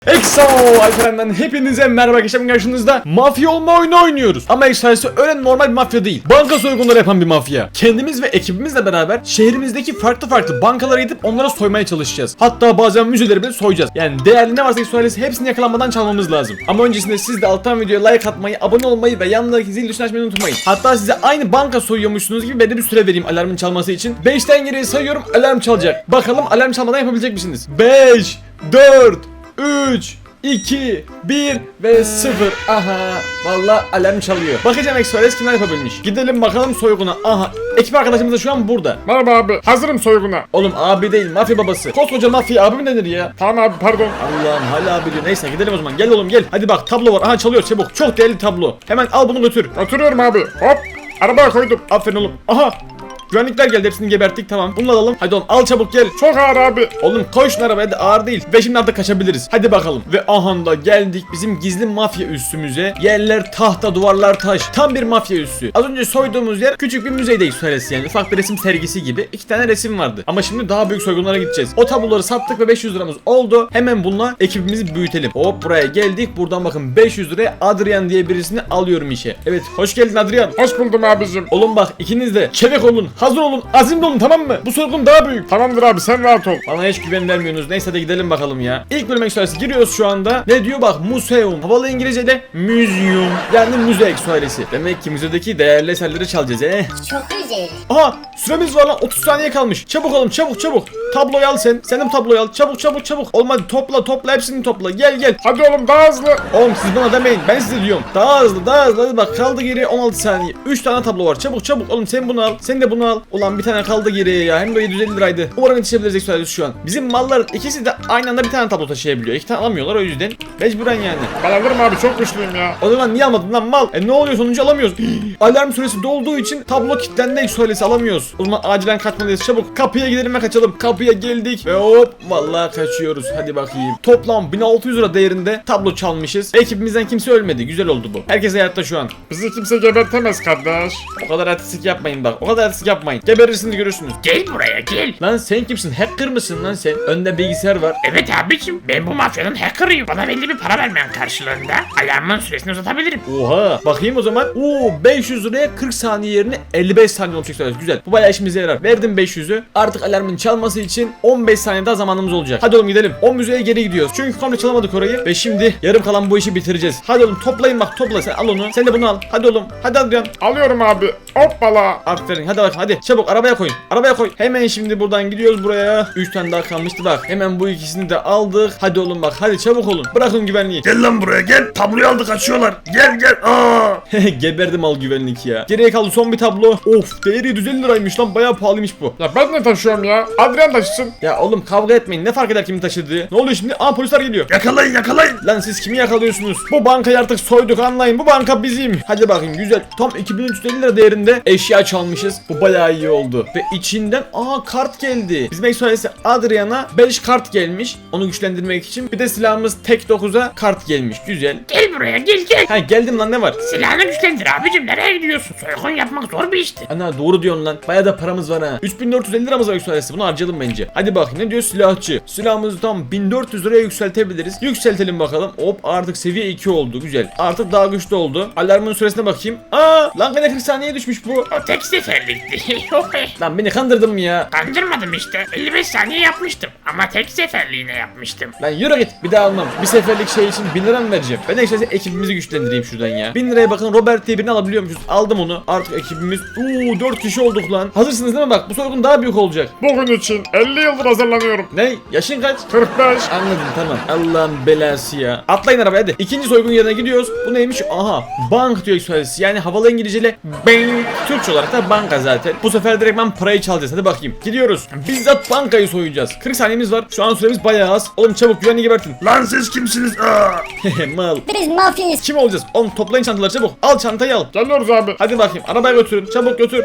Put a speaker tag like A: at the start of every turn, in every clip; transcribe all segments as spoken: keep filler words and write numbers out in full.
A: Exo Alperen'den hepinize merhaba arkadaşlar, karşınızda mafya olma oyunu oynuyoruz. Ama Exo'su öyle normal bir mafya değil. Banka soygunları yapan bir mafya. Kendimiz ve ekibimizle beraber şehrimizdeki farklı farklı bankalara gidip onlara soymaya çalışacağız. Hatta bazen müzeleri bile soyacağız. Yani değerli ne varsa Exo ailesi hepsini yakalanmadan çalmamız lazım. Ama öncesinde siz de alttan videoya like atmayı, abone olmayı ve yanındaki zil tuşunu açmayı unutmayın. Hatta size aynı banka soyuyormuşsunuz gibi ben de bir süre vereyim alarmın çalması için. beşten geriye sayıyorum, alarm çalacak. Bakalım alarm çalmadan yapabilecek misiniz? beş, dört, üç, iki, bir ve sıfır. Aha, vallahi alarm çalıyor. Bakacağım Express kimler yapabilmiş. Gidelim bakalım soyguna. Aha, ekip arkadaşımız da şu an burada.
B: Merhaba abi, hazırım soyguna.
A: Oğlum abi değil, mafya babası. Koskoca mafya abi mi denir ya?
B: Tamam abi, pardon.
A: Allah'ım hala abi diyor. Neyse gidelim o zaman. Gel oğlum gel. Hadi bak tablo var. Aha çalıyor çabuk. Çok değerli tablo. Hemen al bunu götür.
B: Oturuyorum abi. Hop, arabaya koydum.
A: Aferin oğlum. Aha. Güvenlikler geldi, hepsini geberttik, tamam. Bunu alalım. Hadi oğlum al çabuk gel.
B: Çok ağır abi.
A: Oğlum koy şunu arabaya, da ağır değil. Ve şimdi artık kaçabiliriz. Hadi bakalım. Ve aha da geldik bizim gizli mafya üssümüze. Yerler tahta, duvarlar taş. Tam bir mafya üssü. Az önce soyduğumuz yer küçük bir müzeydeyiz söylesi yani. Ufak bir resim sergisi gibi. İki tane resim vardı. Ama şimdi daha büyük soygunlara gideceğiz. O tabloları sattık ve beş yüz liramız oldu. Hemen bununla ekibimizi büyütelim. Hop buraya geldik. Buradan bakın beş yüz liraya Adrian diye birisini alıyorum işe. Evet, hoş geldin Adrian.
B: Hoş buldum abicim.
A: Oğlum bak, ikiniz de çevik olun, hazır olun, azimli olun, tamam mı? Bu soygun daha büyük.
B: Tamamdır abi, sen rahat ol.
A: Bana hiç güven vermiyorsunuz. Neyse de gidelim bakalım ya. İlk bölüm eksualesi giriyoruz şu anda. Ne diyor bak, museum. Havalı İngilizce'de museum. Yani müze eksualesi. Demek ki müzedeki değerli eserleri çalacağız he.
C: Çok güzel.
A: Aha, süremiz var lan, otuz saniye kalmış. Çabuk oğlum, çabuk çabuk. Tabloyu al sen. Sen de bu tabloyu al. Çabuk çabuk çabuk. Olmadı, topla topla hepsini topla. Gel gel.
B: Hadi oğlum, daha hızlı.
A: Oğlum siz bana demeyin, ben size diyorum. Daha hızlı daha hızlı. Hadi bak, kaldı geriye on altı saniye. üç tane tablo var. Çabuk çabuk oğlum, sen bunu al. Sen de bunu al. Ulan bir tane kaldı geriye ya. Hem de yedi yüz elli liraydı. Umarım yetişebiliriz eksualesi şu an. Bizim malların ikisi de aynı anda bir tane tablo taşıyabiliyor. İki tane alamıyorlar, o yüzden. Mecburen yani.
B: Ben alırım abi, çok güçlüyüm ya.
A: O zaman niye almadın lan mal? E ne oluyor, sonucu alamıyoruz. Alarm süresi dolduğu için tablo kilitlendi, eksualesi alamıyoruz. O zaman acilen kaçmalıyız. Çabuk kapıya gidelim ve kaçalım. Kapıya geldik ve hop vallahi kaçıyoruz. Hadi bakayım. Toplam bin altı yüz lira değerinde tablo çalmışız. Ekibimizden kimse ölmedi. Güzel oldu bu. Herkes hayatta şu an.
B: Bizi kimse gebertemez kardeş.
A: O kadar artistik yapmayın bak. O kadar artistik yapmayın. Geberirsiniz, görürsünüz.
D: Gel buraya gel.
A: Lan sen kimsin? Hacker mısın lan sen? Önde bilgisayar var.
D: Evet abicim, ben bu mafyanın hackerıyım. Bana belli bir para vermeyen karşılığında alarmın süresini uzatabilirim.
A: Oha. Bakayım o zaman. Oo, beş yüz liraya kırk saniye yerine elli beş saniye olacak. Güzel. Bu bayağı işimize yarar. Verdim beş yüzü. Artık alarmın çalması için on beş saniye daha zamanımız olacak. Hadi oğlum gidelim. O müzeye geri gidiyoruz. Çünkü komple çalamadık orayı. Ve şimdi yarım kalan bu işi bitireceğiz. Hadi oğlum toplayın bak, topla. Sen al onu. Sen de bunu al. Hadi oğlum. Hadi Adrian.
B: Alıyorum abi. Hoppala.
A: Aferin. Hadi bak hadi. Çabuk arabaya koyun. Arabaya koy. Hemen şimdi buradan gidiyoruz buraya. üç tane daha kalmıştı bak. Hemen bu ikisini de aldık. Hadi oğlum bak. Hadi çabuk olun. Bırakın güvenliği.
D: Gel lan buraya gel. Tabloyu aldık, kaçıyorlar. Gel gel. Aa.
A: Geberdim al güvenlik ya. Geriye kaldı son bir tablo. Of, değeri yüz elli liraymış lan. Bayağı pahalıymış bu.
B: Ya ben ne taşıyorum ya? Adrian taşısın.
A: Ya oğlum kavga etmeyin. Ne fark eder kimin taşıdığı? Ne oluyor şimdi? Aa, polisler geliyor.
D: Yakalayın yakalayın.
A: Lan siz kimi yakalıyorsunuz? Bu bankayı artık soyduk, anlayın. Bu banka bizim. Hadi bakayım, güzel. Tam iki bin üç yüz elli lira değerinde eşya çalmışız. Bu bayağı iyi oldu. Ve içinden aa kart geldi. Bizim eksualesi Adrian'a beş kart gelmiş. Onu güçlendirmek için. Bir de silahımız tek dokuza kart gelmiş. Güzel.
D: Gel buraya gel gel.
A: Ha geldim lan, ne var?
D: Silahını güçlendir abicim, nereye gidiyorsun? Soygun yapmak zor bir işti.
A: Ana doğru diyorsun lan. Bayağı da paramız var ha. üç bin dört yüz elli liramız var eksualesi. Bunu harcayalım bence. Hadi bak ne diyor silahçı. Silahımızı tam bin dört yüz liraya yükseltebiliriz. Yükseltelim bakalım. Hop artık seviye iki oldu. Güzel. Artık daha güçlü oldu. Alarmın süresine bakayım. Aa lan gene kırk saniyeye düşmüş bu.
D: O tek seferlikti.
A: Lan beni kandırdın mı ya?
D: Kandırmadım işte. elli beş saniye yapmıştım. Ama tek seferliğine yapmıştım.
A: Lan yürü git, bir daha almam. Bir seferlik şey için bin lira mı vereceğim? Ben de işte ekibimizi güçlendireyim şuradan ya. bin liraya bakın, Robert diye birini alabiliyormuşuz. Aldım onu. Artık ekibimiz uuu dört kişi olduk lan. Hazırsınız değil mi bak? Bu soygun daha büyük olacak.
B: Bugün için elli yıldır hazırlanıyorum.
A: Ne? Yaşın kaç?
B: kırk beş.
A: Anladım, tamam. Allah'ın belası ya. Atlayın arabaya hadi. İkinci soygun yerine gidiyoruz. Bu neymiş? Aha. Bank diyor eksualesi. Yani havalı İngilizceyle bank. Türkçe olarak da banka zaten. Bu sefer direkt ben parayı çalacağız. Hadi bakayım. Gidiyoruz. Bizzat bankayı soyacağız. kırk saniyemiz var. Şu an süremiz bayağı az. Oğlum çabuk güvenliği gebertin.
D: Lan siz kimsiniz? Aa.
A: Mal.
C: Biz mafyayız.
A: Kim olacağız? Oğlum toplayın çantaları çabuk. Al çantayı al.
B: Geliyoruz abi.
A: Hadi bakayım. Arabaya götürün. Çabuk götür.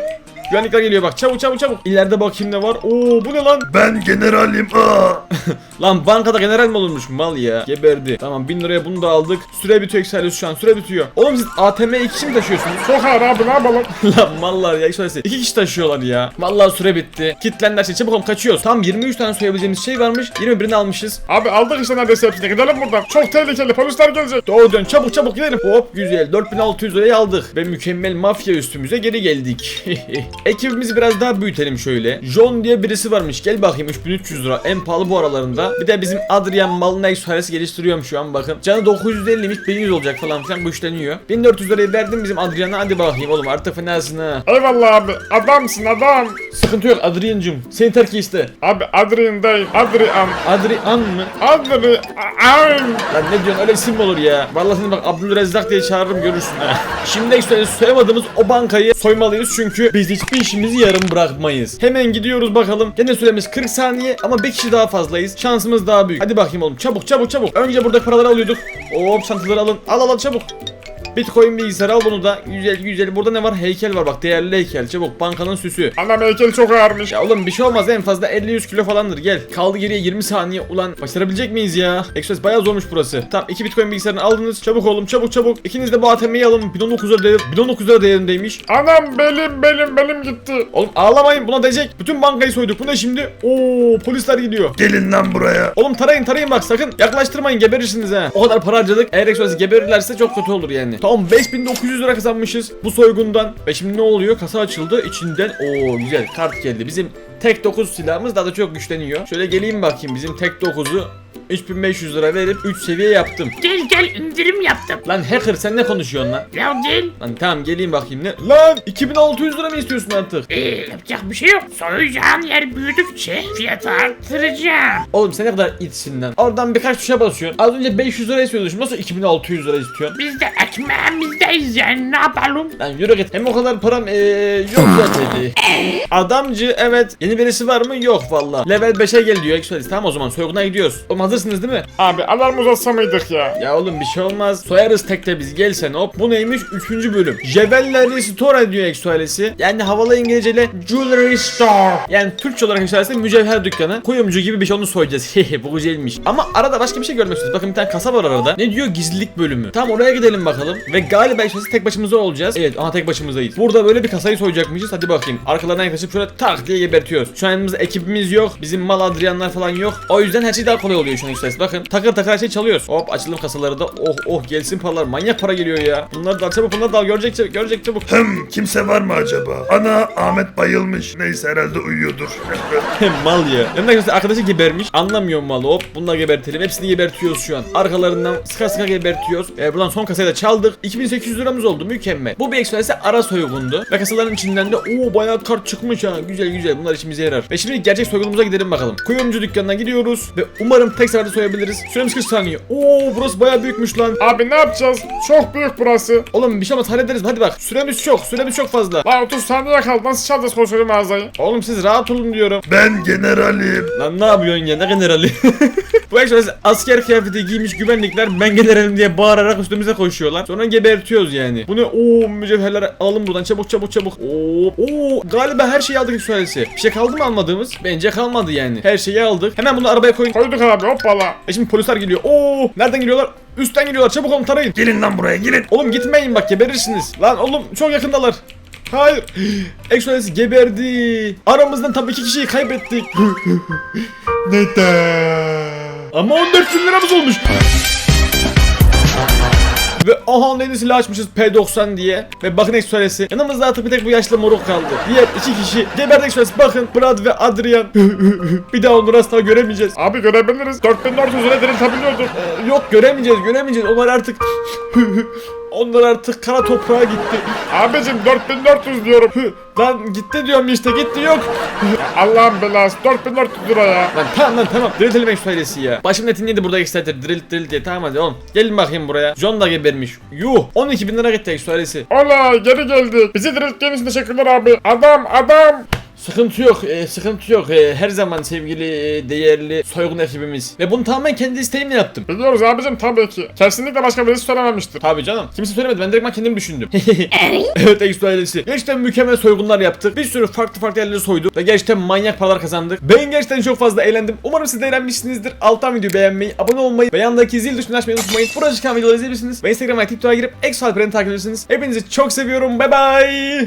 A: Güvenlikler geliyor bak. Çabuk çabuk çabuk. İleride bakayım ne var. Oo bu ne lan?
C: Ben generalim. Aa.
A: Lan bankada general mi olurmuş mal ya? Geberdi. Tamam bin liraya bunu da aldık. Süre bitiyor Exodus şu an. Süre bitiyor. Oğlum siz A T M iki kişi mi taşıyorsunuz?
B: Çok ağır abi ne yapalım?
A: Lan mallar ya Exodus. İki kişi taşıyorlar ya. Vallahi süre bitti. Kitlenler şey çabuk oğlum kaçıyoruz. Tam yirmi üç tane soyabileceğimiz şey varmış. yirmi birini almışız.
B: Abi aldık işte neredeyse hepsini. Gidelim buradan. Çok tehlikeli. Polisler gelecek.
A: Doğru dön çabuk çabuk gidelim. Hop güzel dört bin altı yüz lirayı aldık. Ve mükemmel mafya üstümüze geri geldik. Ekibimizi biraz daha büyütelim şöyle. John diye birisi varmış. Gel bakayım üç bin üç yüz lira. En pahalı bu aralarında. Bir de bizim Adrian Malnex suaresi geliştiriyorum şu an bakın. Canı dokuz yüz ellimiş bin yüz olacak falan filan güçleniyor. bin dört yüz lirayı verdim bizim Adrian'a, hadi bakayım oğlum artık fenasın ha.
B: Eyvallah abi. Adamsın adam.
A: Sıkıntı yok Adrian'cım. Seni terk iste.
B: Abi Adrian değil. Adrian.
A: Adrian mı?
B: Adrian.
A: Lan ne diyorsun öyle isim mi olur ya? Vallahi seni bak Abdülrezzak diye çağırırım görürsün ha. Şimdi ekstra soyamadığımız o bankayı soymalıyız çünkü biz hiçbir işimizi yarım bırakmayız. Hemen gidiyoruz bakalım. Gene süremiz kırk saniye ama bir kişi daha fazlayız. Şansımız daha büyük. Hadi bakayım oğlum çabuk çabuk çabuk. Önce burada paraları alıyorduk. Hop çantaları alın. Al al al çabuk. Bitcoin bilgisayarı al bunu da. Güzel güzel. Burada ne var? Heykel var bak. Değerli heykel. Çabuk. Bankanın süsü.
B: Anam heykeli çok ağırmış.
A: Ya oğlum bir şey olmaz. En fazla elli yüz kilo falandır. Gel. Kaldı geriye yirmi saniye. Ulan başarabilecek miyiz ya? Express bayağı zormuş burası. Tamam. iki Bitcoin bilgisayarını aldınız. Çabuk oğlum. Çabuk çabuk. İkiniz de bu A T M'yi alın. bin on dokuz lira değer, bin on dokuz lira değerindeymiş.
B: Anam belim belim belim gitti.
A: Oğlum ağlamayın. Buna değecek. Bütün bankayı soyduk. Bu ne şimdi? Oo polisler gidiyor.
C: Gelin lan buraya.
A: Oğlum tarayın tarayın bak sakın. Yaklaştırmayın. Geberirsiniz ha. O kadar para harcadık. Eğer Express geberirlerse çok kötü olur yani. Tamam beş bin dokuz yüz lira kazanmışız bu soygundan. Ve şimdi ne oluyor? Kasa açıldı. İçinden o güzel kart geldi. Bizim tek dokuz silahımız daha da çok güçleniyor. Şöyle geleyim bakayım. Bizim tek dokuzu üç bin beş yüz lira verip üç seviye yaptım.
D: Gel gel indirim yaptım.
A: Lan hacker sen ne konuşuyorsun lan?
D: Ya gel.
A: Lan tamam geleyim bakayım ne? Lan iki bin altı yüz lira mı istiyorsun artık?
D: Ee, yapacak bir şey yok. Soyacağın yer büyüdükçe fiyatı arttıracağım.
A: Oğlum sen ne kadar itsin lan. Oradan birkaç tuşa basıyorsun. Az önce beş yüz lira istiyordun. Şimdi nasıl iki bin altı yüz lira istiyorsun?
D: Biz de ekmeğimizdeyiz yani ne yapalım?
A: Lan yürü git. Hem o kadar param ee, yok zaten. Adamcı evet. Yeni birisi var mı? Yok valla. Level beşe gel diyor. Exodus. Tamam o zaman soyguna gidiyoruz. Oğlum hazırsınız değil mi?
B: Abi alarm uzatsa mıydık ya?
A: Ya oğlum bir şey olmaz. Soyarız tekte biz. Gel sen hop. Bu neymiş? Üçüncü bölüm. Jewelry Store diyor Exodus'ı. Yani havalı İngilizceyle Jewelry Store. Yani Türkçe olarak Exodus'ı mücevher dükkanı. Kuyumcu gibi bir şey onu soyacağız. Hehe bu güzelmiş. Ama arada başka bir şey görmek istiyoruz. Bakın bir tane kasa var arada. Ne diyor? Gizlilik bölümü. Tamam oraya gidelim bakalım. Ve galiba Exodus'ı tek başımıza olacağız. Evet aha tek başımızdayız. Burada böyle bir kasayı soyacakmışız. Hadi bakayım. Arkalarına yaklaşıp şöyle tak diye gebertiyoruz. Şu an yanımızda ekibimiz yok. Bizim mal Adrianlar falan yok. O yüzden her şey daha kolay oluyor şu an Exodus. Bakın takır takır her şey çalıyoruz. Hop açalım kasaları da. Oh oh gelsin paralar. Manyak para geliyor ya. Bunları da al çabuk bunları da al. Görecek çabuk. Görecek çabuk.
C: Hım, kimse var mı acaba? Ana, Ahmet bayılmış. Neyse herhalde uyuyordur.
A: Mal ya. Yanında arkadaşı, arkadaşı gebermiş. Anlamıyorum malı. Hop bunu da gebertelim. Hepsini gebertiyoruz şu an. Arkalarından sıka sıka gebertiyoruz. Ee, buradan son kasayı da çaldık. iki bin sekiz yüz liramız oldu. Mükemmel. Bu bir Exodus'e ara soygundu. Ve kasaların içinden de ooo bayağı kart çıkmış ha. Güzel güzel. Bunlar işimize yarar. Ve şimdi gerçek soygunumuza gidelim bakalım. Kuyumcu dükkanına gidiyoruz. Ve umarım tek seferde soyabiliriz. Süremiz kırk saniye. Oo burası bayağı büyükmüş lan.
B: Abi ne yapacağız? Çok büyük burası.
A: Oğlum bir şey olmaz hallederiz. Hadi bak. Süremiz çok. Süremiz çok fazla.
B: Lan otuz saniye kaldı. Nasıl çalacağız koskoca mağazayı?
A: Oğlum siz rahat olun diyorum.
C: Ben generalim.
A: Lan ne yapıyorsun ya? Ne generali? Bu Exodus asker kıyafeti giymiş güvenlikler ben generalim diye bağırarak üstümüze koşuyorlar. Sonra gebertiyoruz yani. Bu ne? Oo mücevherler alalım buradan çabuk çabuk çabuk. Oo, oo galiba her şeyi aldık Exodus'ı. Bir şey kaldı mı almadığımız? Bence kalmadı yani. Her şeyi aldık. Hemen bunu arabaya koyun.
B: Koyduk abi hoppala.
A: E şimdi polisler geliyor. Oo nereden geliyorlar? Üstten geliyorlar. Çabuk olun tarayın.
C: Gelin lan buraya gelin.
A: Oğlum gitmeyin bak geberirsiniz. Lan oğlum çok yakındalar. Hayır. Exodus geberdi. Aramızdan tabii iki kişiyi kaybettik.
C: Neden?
A: Ama on dört bin liramız olmuş. Ve aha yeni silah açmışız P doksan diye. Ve bakın Exodus'ı. Yanımızda artık bir tek bu yaşlı moruk kaldı. Diğer iki kişi geberdi Exodus. Bakın Brad ve Adrian. Bir daha onları asla göremeyeceğiz.
B: Abi görebiliriz. dört bin dört yüz lira diriltebiliyorduk.
A: Ee, yok göremeyeceğiz göremeyeceğiz. Onlar artık... Onlar artık kara toprağa gitti.
B: Abicim dört bin dört yüz diyorum.
A: Lan gitti diyorum işte gitti yok.
B: Allah'ın belası dört bin dört yüz lira ya.
A: Lan tamam lan tamam. Diriltelim Exodus'ı ya. Başım netin yedi burada Exodus'ı. Dirilt dirilt diye. Tamam hadi oğlum. Gelin bakayım buraya. John da gebermiş. Yuh. on iki bin lira gitti Exodus'ı.
B: Ola geri geldik. Bizi dirilttiğiniz için teşekkürler abi. Adam adam.
A: Sıkıntı yok, e, sıkıntı yok. E, her zaman sevgili, e, değerli soygun ekibimiz. Ve bunu tamamen kendi isteğimle yaptım.
B: Biliyoruz abicim tabii ki. Kesinlikle başka birisi söylememiştir.
A: Tabii canım. Kimse söylemedi. Ben direkt kendim düşündüm. Evet Exo ailesi. Gerçekten mükemmel soygunlar yaptık. Bir sürü farklı farklı yerleri soyduk. Ve gerçekten manyak paralar kazandık. Ben gerçekten çok fazla eğlendim. Umarım siz de eğlenmişsinizdir. Alttan videoyu beğenmeyi, abone olmayı ve yandaki zil tuşunu açmayı unutmayın. Burada çıkan videoları izleyebilirsiniz. Ve Instagram'a, TikTok'a girip Exo Alperen'i takip edebilirsiniz. Hepinizi çok seviyorum. Bye bye.